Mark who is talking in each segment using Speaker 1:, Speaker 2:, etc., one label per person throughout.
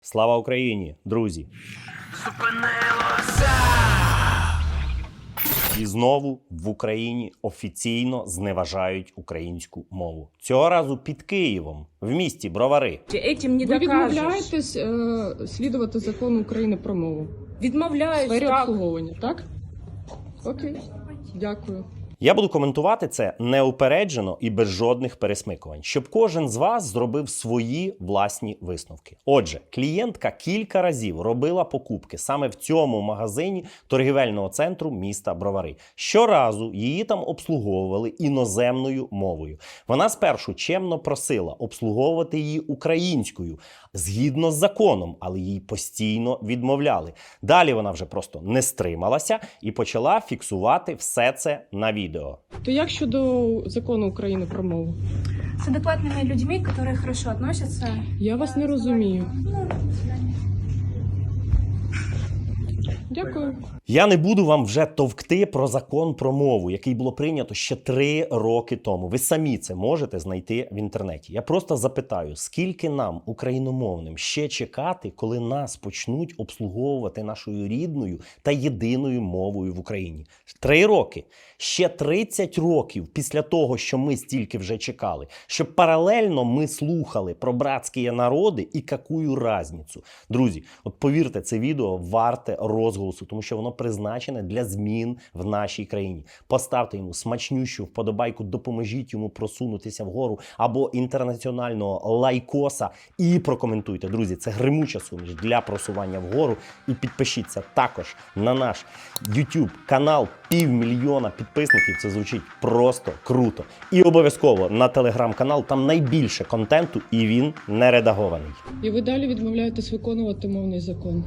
Speaker 1: Слава Україні, друзі! І знову в Україні офіційно зневажають українську мову. Цього разу під Києвом, в місті Бровари.
Speaker 2: Этим не
Speaker 3: Ви
Speaker 2: докажеш.
Speaker 3: відмовляєтесь слідувати закону України про мову?
Speaker 2: Відмовляюсь,
Speaker 3: В сфері
Speaker 2: так.
Speaker 3: обслуговування, так? Окей, дякую.
Speaker 1: Я буду коментувати це неупереджено і без жодних пересмикувань, щоб кожен з вас зробив свої власні висновки. Отже, клієнтка кілька разів робила покупки саме в цьому магазині торгівельного центру міста Бровари. Щоразу її там обслуговували іноземною мовою. Вона спершу чемно просила обслуговувати її українською, згідно з законом, але їй постійно відмовляли. Далі вона вже просто не стрималася і почала фіксувати все це на відео.
Speaker 3: То як щодо закону України про мову?
Speaker 4: С адекватными людьми, которые хорошо относятся.
Speaker 3: Я вас не розумію.
Speaker 4: Ну, до свидания.
Speaker 3: Дякую.
Speaker 1: Я не буду вам вже товкти про закон про мову, який було прийнято ще 3 роки тому. Ви самі це можете знайти в інтернеті. Я просто запитаю, скільки нам, україномовним, ще чекати, коли нас почнуть обслуговувати нашою рідною та єдиною мовою в Україні? 3 роки. Ще 30 років після того, що ми стільки вже чекали. Щоб паралельно ми слухали про братські народи і какую разницю. Друзі, от повірте, це відео варте розголосу, тому що воно призначене для змін в нашій країні. Поставте йому смачнющу вподобайку, допоможіть йому просунутися вгору або інтернаціонального лайкоса і прокоментуйте. Друзі, це гримуча суміш для просування вгору. І підпишіться також на наш YouTube канал. 500 000 підписників, це звучить просто круто. І обов'язково на телеграм-канал, там найбільше контенту і він не редагований.
Speaker 3: І ви далі відмовляєтесь виконувати мовний закон?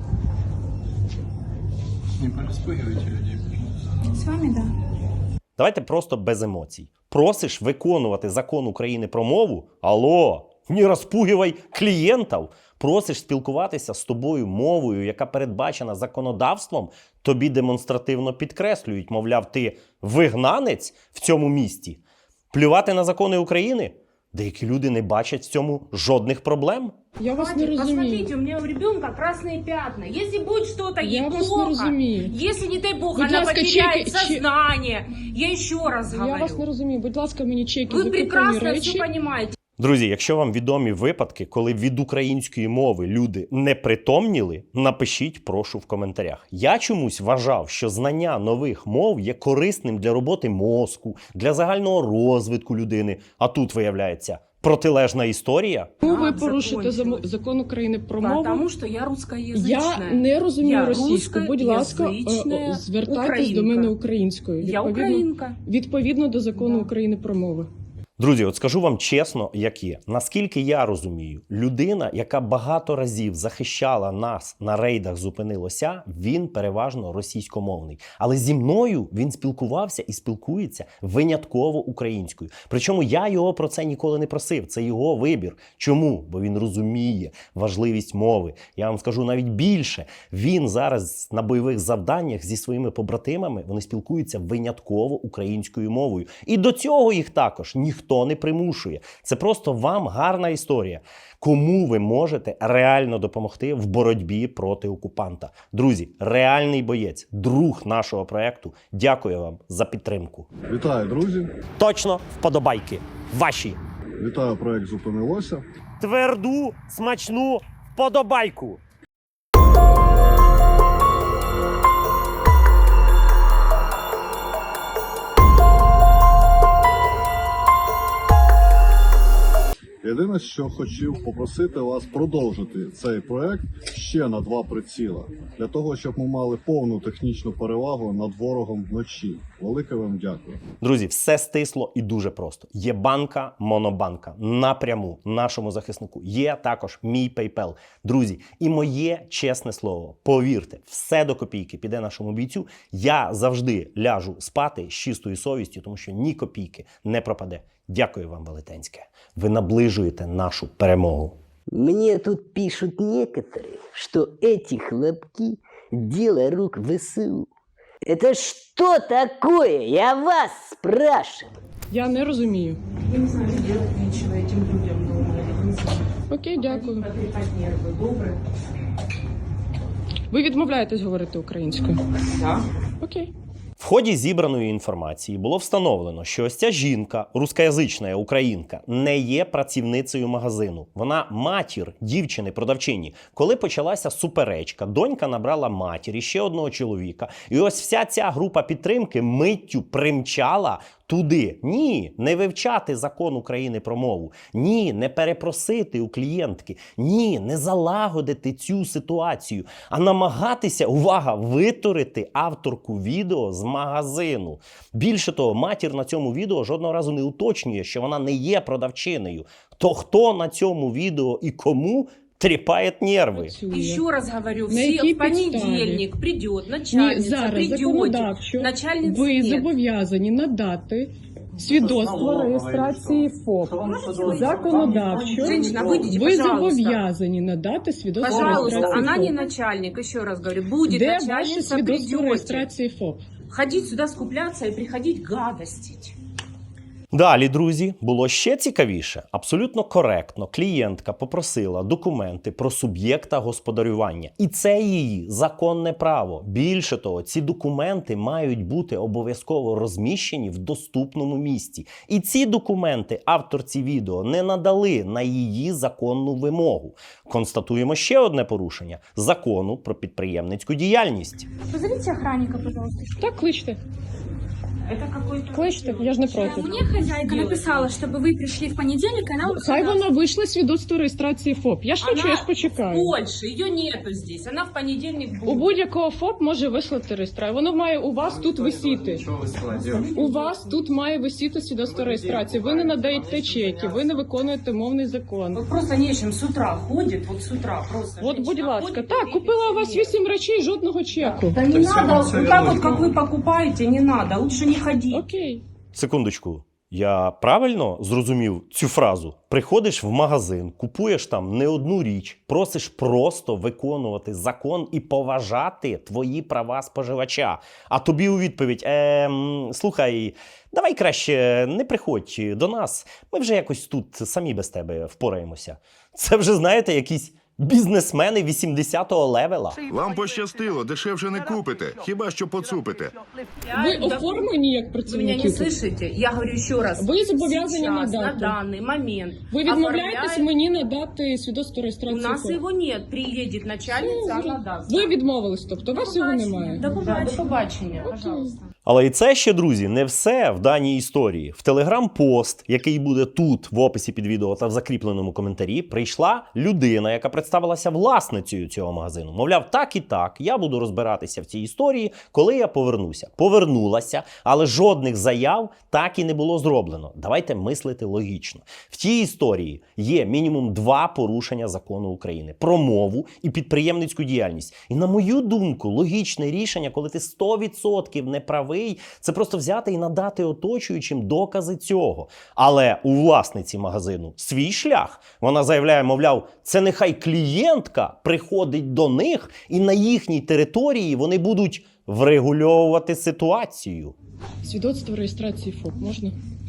Speaker 5: Не пораспугивайте людей, пожалуйста.
Speaker 4: С вами, да.
Speaker 1: Давайте просто без емоцій. Просиш виконувати закон України про мову? Алло, не розпугивай клієнтів. Просиш спілкуватися з тобою мовою, яка передбачена законодавством, тобі демонстративно підкреслюють, мовляв, ти вигнанець в цьому місті. Плювати на закони України? Деякі люди не бачать в цьому жодних проблем.
Speaker 3: Я вас не
Speaker 2: Хватит,
Speaker 3: розумію.
Speaker 2: посмотрите, у меня у ребенка красные пятна. Если будет что-то ей
Speaker 3: Я вас
Speaker 2: плохо,
Speaker 3: не розумію.
Speaker 2: если, не дай бог,
Speaker 3: Будь
Speaker 2: она
Speaker 3: ласка,
Speaker 2: потеряет
Speaker 3: чеки-
Speaker 2: сознание, я еще раз
Speaker 3: Я
Speaker 2: говорю.
Speaker 3: вас не розумію. Будь ласка, мені чеки
Speaker 2: Вы
Speaker 3: за куплені
Speaker 2: прекрасно
Speaker 3: речі.
Speaker 2: все понимаете.
Speaker 1: Друзі, якщо вам відомі випадки, коли від української мови люди не притомніли, напишіть, прошу, в коментарях. Я чомусь вважав, що знання нових мов є корисним для роботи мозку, для загального розвитку людини. А тут, виявляється, протилежна історія.
Speaker 3: Чому ви
Speaker 2: А,
Speaker 3: порушите
Speaker 2: закончилось.
Speaker 3: закон України про мову?
Speaker 2: Потому что я русскоязычная.
Speaker 3: Я не розумію
Speaker 2: Я
Speaker 3: російську. Будь ласка,
Speaker 2: русскоязичная
Speaker 3: звертайтесь до
Speaker 2: українка.
Speaker 3: мене українською.
Speaker 2: Я українка.
Speaker 3: Відповідно до закону
Speaker 2: Да.
Speaker 3: України про мови.
Speaker 1: Друзі, от скажу вам чесно, як є. Наскільки я розумію, людина, яка багато разів захищала нас на рейдах «Зупинилося», він переважно російськомовний. Але зі мною він спілкувався і спілкується винятково українською. Причому я його про це ніколи не просив. Це його вибір. Чому? Бо він розуміє важливість мови. Я вам скажу навіть більше. Він зараз на бойових завданнях зі своїми побратимами, вони спілкуються винятково українською мовою. І до цього їх також ніхто не примушує. Це просто вам гарна історія. Кому ви можете реально допомогти в боротьбі проти окупанта? Друзі, реальний боєць, друг нашого проекту. Дякую вам за підтримку.
Speaker 6: Вітаю, друзі!
Speaker 1: Точно вподобайки. Ваші.
Speaker 6: Вітаю, проект «Зупинилося».
Speaker 1: Тверду, смачну вподобайку.
Speaker 6: Єдине, що хотів попросити вас продовжити цей проект ще на 2 приціла, для того, щоб ми мали повну технічну перевагу над ворогом вночі. Велике вам дякую.
Speaker 1: Друзі, все стисло і дуже просто. Є банка, монобанка. Напряму нашому захиснику. Є також мій PayPal. Друзі, і моє чесне слово, повірте, все до копійки піде нашому бійцю. Я завжди ляжу спати з чистою совістю, тому що ні копійки не пропаде. Дякую вам, велетенське. Ви наближуєте нашу перемогу.
Speaker 7: Мне тут пишут некоторые, что эти хлопки – дело рук ВСУ. Это что такое? Я вас спрашиваю.
Speaker 3: Я не розумію.
Speaker 2: Я не знаю, делать нечего этим людям дома. Я не знаю.
Speaker 3: Окей. Окей, дякую.
Speaker 2: Потрепать нервы, добрый.
Speaker 3: Ви відмовляєтесь говорити українською?
Speaker 2: Да.
Speaker 3: Окей.
Speaker 1: В ході зібраної інформації було встановлено, що ось ця жінка, рускоязична українка, не є працівницею магазину. Вона матір дівчини-продавчині. Коли почалася суперечка, донька набрала матір і ще одного чоловіка. І ось вся ця група підтримки миттю примчала туди. Ні, не вивчати закон України про мову. Ні, не перепросити у клієнтки. Ні, не залагодити цю ситуацію, а намагатися, увага, витурити авторку відео з магазину. Більше того, матір на цьому відео жодного разу не уточнює, що вона не є продавчинею. То хто на цьому відео і кому тріпає нерви?
Speaker 3: Працює.
Speaker 2: Еще раз говорю,
Speaker 3: На
Speaker 2: все
Speaker 3: якій
Speaker 2: в понедельник придет начальница,
Speaker 3: Ні, зараз
Speaker 2: придете,
Speaker 3: законодавчо
Speaker 2: начальницы
Speaker 3: ви
Speaker 2: нет.
Speaker 3: зобов'язані надати свідоцтво реєстрації ФОП. Законодавчо
Speaker 2: Женщина, выйдите,
Speaker 3: ви
Speaker 2: пожалуйста.
Speaker 3: зобов'язані надати свідоцтво
Speaker 2: Пожалуйста,
Speaker 3: реєстрації
Speaker 2: она не
Speaker 3: ФОП.
Speaker 2: начальник, еще раз говорю, будет
Speaker 3: Де ваше
Speaker 2: начальница,
Speaker 3: свідоцтво
Speaker 2: придете.
Speaker 3: реєстрації ФОП?
Speaker 2: Ходить сюда скупляться и приходить гадостить.
Speaker 1: Далі, друзі, було ще цікавіше. Абсолютно коректно клієнтка попросила документи про суб'єкта господарювання. І це її законне право. Більше того, ці документи мають бути обов'язково розміщені в доступному місці. І ці документи авторці відео не надали на її законну вимогу. Констатуємо ще одне порушення – закону про підприємницьку діяльність.
Speaker 4: Позовите охранника, пожалуйста.
Speaker 3: Так, кличте.
Speaker 2: Это какой-то...
Speaker 3: Кличте, я ж не проти.
Speaker 4: Мне хозяйка написала, чтобы вы пришли в понедельник, и она
Speaker 3: Хай вона вийшла свідоцтво реєстрації ФОП. Я ж хочу, я ж
Speaker 2: в
Speaker 3: почекаю.
Speaker 2: Польше, ее нету здесь, она в понедельник
Speaker 3: У
Speaker 2: будет.
Speaker 3: будь-якого ФОП може вислати реєстрацію. Воно має у вас тут висіти.
Speaker 5: Что вы сказали, девушка?
Speaker 3: У вас тут має висіти свідоцтво реєстрації. Ви не надаєте чеки, ви не виконуєте мовний закон.
Speaker 2: Вот просто нечем с утра ходит, вот с утра просто.
Speaker 3: От, будь
Speaker 2: женщина
Speaker 3: ласка,
Speaker 2: ходит,
Speaker 3: так,
Speaker 2: и
Speaker 3: купила у вас
Speaker 2: нет.
Speaker 3: 8 речей, жодного чеку.
Speaker 2: Да не
Speaker 5: То есть
Speaker 2: надо,
Speaker 5: вам
Speaker 2: вот
Speaker 5: всё
Speaker 2: так
Speaker 5: вернуть
Speaker 2: вот, как
Speaker 5: надо?
Speaker 2: вы покупаете, не надо, лучше не ходить.
Speaker 3: Окей.
Speaker 1: Секундочку. Я правильно зрозумів цю фразу? Приходиш в магазин, купуєш там не одну річ, просиш просто виконувати закон і поважати твої права споживача. А тобі у відповідь: слухай, давай краще не приходь до нас, ми вже якось тут самі без тебе впораємося. Це вже, знаєте, якісь бізнесмени 80-го левела.
Speaker 8: Вам пощастило, дешевше не купите, хіба що поцупите.
Speaker 3: Ви оформлені як
Speaker 2: Вы меня не
Speaker 3: працівники?
Speaker 2: слышите? Я говорю еще раз.
Speaker 3: Вы зобовязаны
Speaker 2: Сейчас, на
Speaker 3: надати.
Speaker 2: данный момент.
Speaker 3: Ви відмовляєтесь
Speaker 2: оформляет-
Speaker 3: мені надати свідоцтво
Speaker 2: У
Speaker 3: реєстрації
Speaker 2: нас
Speaker 3: ФОП?
Speaker 2: его нет. Приедет начальница, она даст.
Speaker 3: Ви відмовились, тобто у вас його немає.
Speaker 2: До побачення, пожалуйста.
Speaker 1: Але і це ще, друзі, не все в даній історії. В телеграм-пост, який буде тут, в описі під відео та в закріпленому коментарі, прийшла людина, яка представилася власницею цього магазину. Мовляв, так і так, я буду розбиратися в цій історії, коли я повернуся. Повернулася, але жодних заяв так і не було зроблено. Давайте мислити логічно. В цій історії є мінімум 2 порушення закону України про мову і підприємницьку діяльність. І на мою думку, логічне рішення, коли ти 100% не правий, це просто взяти і надати оточуючим докази цього. Але у власниці магазину свій шлях. Вона заявляє, мовляв, це нехай клієнтка приходить до них і на їхній території вони будуть врегульовувати ситуацію.
Speaker 3: Свідоцтво реєстрації ФОП можна?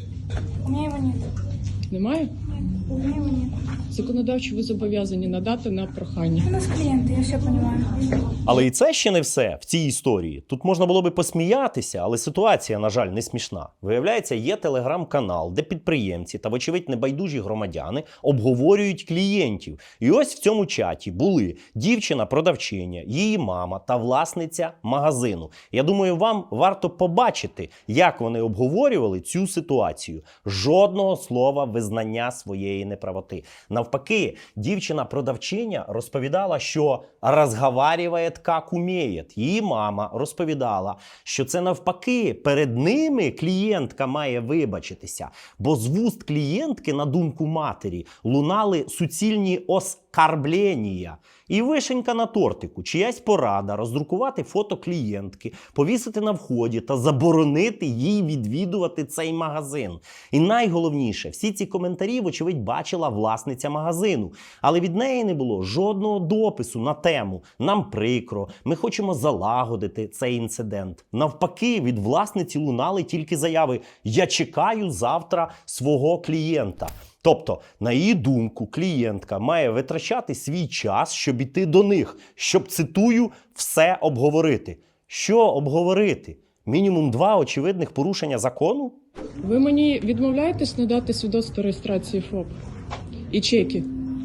Speaker 4: У меня его нет.
Speaker 3: Немає?
Speaker 4: У меня его нет.
Speaker 3: Законодавчо ви зобов'язані надати на прохання.
Speaker 4: У нас клиенты, я все понимаю.
Speaker 1: Але і це ще не все в цій історії. Тут можна було би посміятися, але ситуація, на жаль, не смішна. Виявляється, є телеграм-канал, де підприємці та, вочевидь, небайдужі громадяни обговорюють клієнтів. І ось в цьому чаті були дівчина-продавчиня, її мама та власниця магазину. Я думаю, вам варто побачити, як вони обговорювали цю ситуацію. Жодного слова визнання своєї неправоти. Навпаки, дівчина-продавчиня розповідала, що розговарює, як уміє. Її мама розповідала, що це навпаки, перед ними клієнтка має вибачитися. Бо з вуст клієнтки, на думку матері, лунали суцільні оскарблення. І вишенька на тортику, чиясь порада роздрукувати фото клієнтки, повісити на вході та заборонити їй відвідувати цей магазин. І найголовніше, всі ці коментарі, вочевидь, бачила власниця магазину. Але від неї не було жодного допису на тему «Нам прикро, ми хочемо залагодити цей інцидент». Навпаки, від власниці лунали тільки заяви «Я чекаю завтра свого клієнта». Тобто, на її думку, клієнтка має витрачати свій час, щоб іти до них, щоб, цитую, все обговорити. Що обговорити? Мінімум 2 очевидних порушення закону?
Speaker 3: Ви мені відмовляєтесь надати свідоцтво реєстрації ФОП і чеки?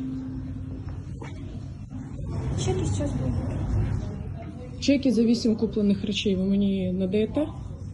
Speaker 4: Чеки сейчас будут.
Speaker 3: Чеки за 8 куплених речей ви мені надаєте?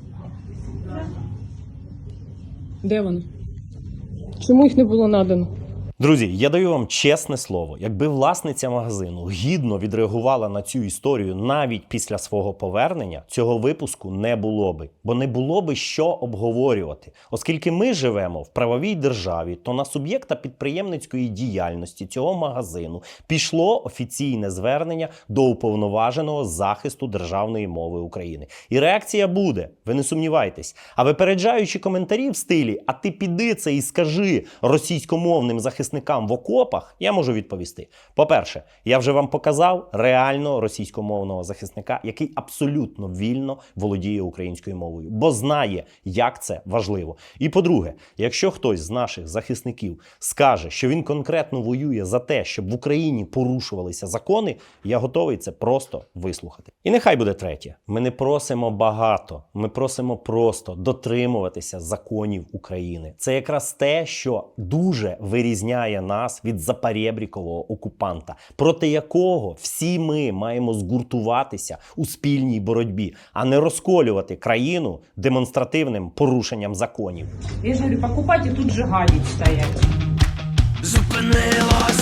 Speaker 3: Де вони? Чому їх не було надано?
Speaker 1: Друзі, я даю вам чесне слово, якби власниця магазину гідно відреагувала на цю історію навіть після свого повернення, цього випуску не було би. Бо не було би що обговорювати. Оскільки ми живемо в правовій державі, то на суб'єкта підприємницької діяльності цього магазину пішло офіційне звернення до Уповноваженого з захисту державної мови України. І реакція буде, ви не сумнівайтесь. А випереджаючи коментарі в стилі «а ти піди це і скажи російськомовним захисникам в окопах», я можу відповісти. По-перше, я вже вам показав реально російськомовного захисника, який абсолютно вільно володіє українською мовою, бо знає, як це важливо. І по-друге, якщо хтось з наших захисників скаже, що він конкретно воює за те, щоб в Україні порушувалися закони, я готовий це просто вислухати. І нехай буде третє. Ми не просимо багато, ми просимо просто дотримуватися законів України. Це якраз те, що дуже вирізняє нас від запарєбрікового окупанта, проти якого всі ми маємо згуртуватися у спільній боротьбі, а не розколювати країну демонстративним порушенням законів.
Speaker 2: Я же говорю, покупать и тут же гадить стоять.
Speaker 9: Зупинилось